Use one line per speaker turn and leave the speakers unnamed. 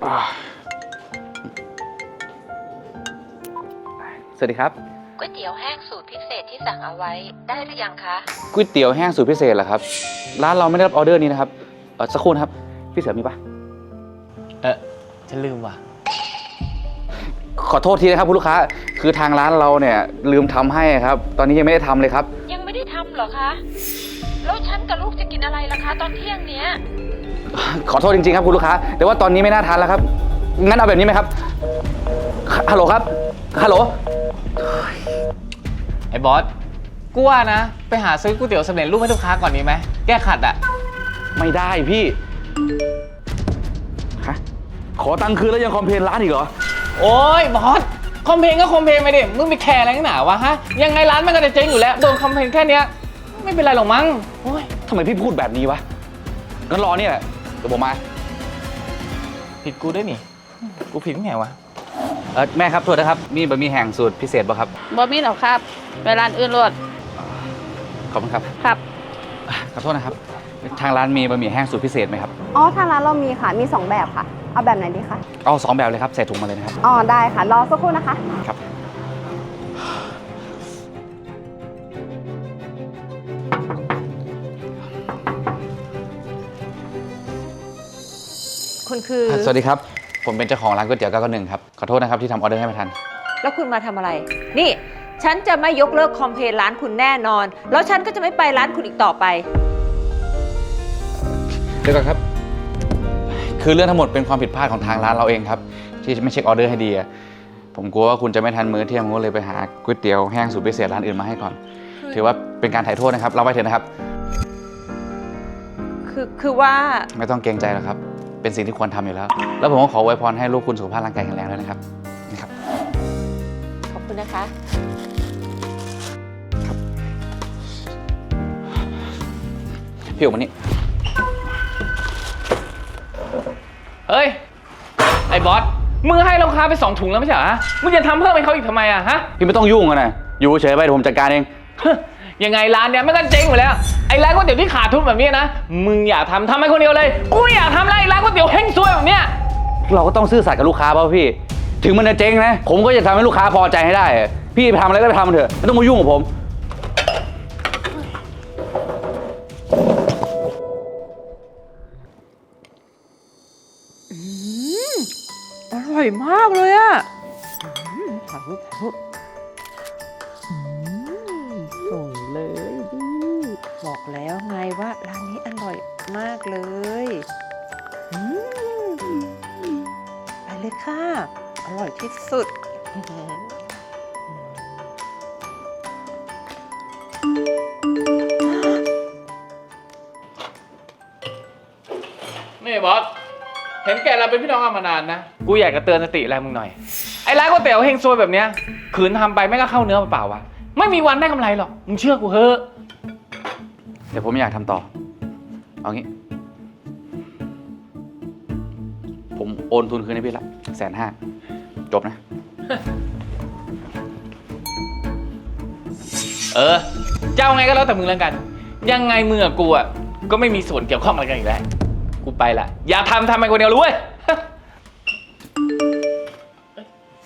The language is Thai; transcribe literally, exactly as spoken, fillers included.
สวัสดีครับ
ก๋วยเตี๋ยวแห้งสูตรพิเศษที่สั่งเอาไว้ได้หรือยังคะ
ก๋วยเตี๋ยวแห้งสูตรพิเศษเหรอครับร้านเราไม่ได้รับออเดอร์นี้นะครับเออสักครู่นะครับพี่เสือมีปะ
เออฉันลืมว่ะ
ขอโทษทีนะครับคุณลูกค้าคือทางร้านเราเนี่ยลืมทำให้ครับตอนนี้ยังไม่ได้ทำเลยครับ
ยังไม่ได้ทำเหรอคะแล้วฉันกับลูกจะกินอะไรล่ะคะตอนเที่ยงเนี้ย
ขอโทษจริงๆครับคุณลูกค้าแต่ว่าตอนนี้ไม่น่าทานแล้วครับงั้นเอาแบบนี้ไหมครับฮัลโหลครับฮัลโหล
ไอ้บอสกูว่านะไปหาซื้อก๋วยเตี๋ยวสำเร็จรูปให้ลูกค้าก่อนดีไหมแก้ขัดอ่ะ
ไม่ได้พี่ฮะขอตังค์คืนแล้วยังคอมเพลนร้านอีกเหรอ
โอ้ยบอสคอมเพลนก็คอมเพลนไปดิมึงไปแคร์อะไรนักหนาวะฮะยังไงร้านมันก็จะเจ๊งอยู่แล้วโดนคอมเพลนแค่เนี้ยไม่เป็นไรหรอกมั้งโอ้ย
ทำไมพี่พูดแบบนี้วะงั้นรอเนี่ยแหละเดี๋ยวผมมา
ผิดกูด้วยนี่กูผิดไงวะ
เออแม่ครับโทษนะครับมีบะหมี่แห้งสูตรพิเศษป่ะครับ
บะหมี่หรอครับไปร้านอื่นรวด
ขอบคุณครับ
ครับ
ขอโทษนะครับทางร้านมีบะหมี่แห้งสูตรพิเศษไหมครับ
อ๋อทางร้านเรามีค่ะมีสองแบบค่ะเอาแบบไหนดีคะ
เอาสองแบบเลยครับใส่ถุงมาเลยนะครับ
อ๋อได้ค่ะรอสักครู่นะคะ
ครับ
คุณคือ
สวัสดีครับผมเป็นเจ้าของร้านก๋วยเตี๋ยวเก้าเก้าหนึ่งครับขอโทษนะครับที่ทำออเดอร์ให้ไม่ทัน
แล้วคุณมาทำอะไรนี่ฉันจะไม่ยกเลิกคอมเพลนร้านคุณแน่นอนแล้วฉันก็จะไม่ไปร้านคุณอีกต่อไป
เดี๋ยวก่อนครับคือเรื่องทั้งหมดเป็นความผิดพลาดของทางร้านเราเองครับที่ไม่เช็คออเดอร์ให้ดีผมกลัวว่าคุณจะไม่ทันมื้อเที่ยงผมก็เลยไปหาก๋วยเตี๋ยวแห้งสูตรพิเศษร้านอื่นมาให้ก่อนถือว่าเป็นการถ่ายโทษนะครับเราไปเถอะนะครับ
คือคือว่า
ไม่ต้องเกรงใจหรอกครับเป็นสิ่งที่ควรทำอยู่แล้วแล้วผมก็ขออวยพรให้ลูกคุณสุขภาพร่างกายแข็งแรงด้วยนะครับนะครับ
ขอบคุณนะคะ
ครับพี่อุ๋มวันนี้
เฮ้ยไอ้บอสมึงให้ลูกค้าไปสองถุงแล้วไม่ใช่เหรอมึงจะทำเพิ่มให้เขาอีกทำไมอะฮะ
พี่ไม่ต้องยุ่งกันนะอยู่เฉยไปเดี๋ยวผมจัดการเอง
ยังไงร้านเนี้ยไม่ก็เจ๊งหมดแล้วไอ้ร้านก๋วยเตี๋ยวที่ขาดทุนแบบนี้นะมึงอยากทำทำให้คนเดียวเลยกูอยากทำอะไรร้านก๋วยเตี๋ยวเฮงซวยแบบเนี้ย
เราก็ต้องซื่อสัตย์กับลูกค้าป่ะพี่ถึงมันจะเจ๊งนะผมก็จะทำให้ลูกค้าพอใจให้ได้พี่ไปทำอะไรก็ไปทำเถอะไม่ต้องมายุ่งกับผม
อร่อยมากเลยอะถ่ายรูปถ่ายรูปส่งเลยดิบอกแล้วไงว่าร้านนี้อร่อยมากเลยไปเลยค่ะอร่อยที่สุด
นี่บอสเห็นแกเราเป็นพี่น้องกันมานานนะกูอยากจะเตือนสติอะไรมึงหน่อยไอ้ร้านก๋วยเตี๋ยวเฮงซวยแบบเนี้ยขืนทำไปไม่ก็เข้าเนื้อเปล่าวะไม่มีวันได้กำไรหรอกมึงเชื่อกูเถอะ
เดี๋ยวผมอยากทำต่อเอางี้ผมโอนทุนคืนให้พี่ละแสนห้าจบนะ
เออเจ้าไงก็แล้วแต่มึงแล้วกันยังไงมึงกับกูอ่ะก็ไม่มีส่วนเกี่ยวข้องอะไรกันอีกแล้วกูไปละอย่าทำทำไปคนเดียวรู้เว้ย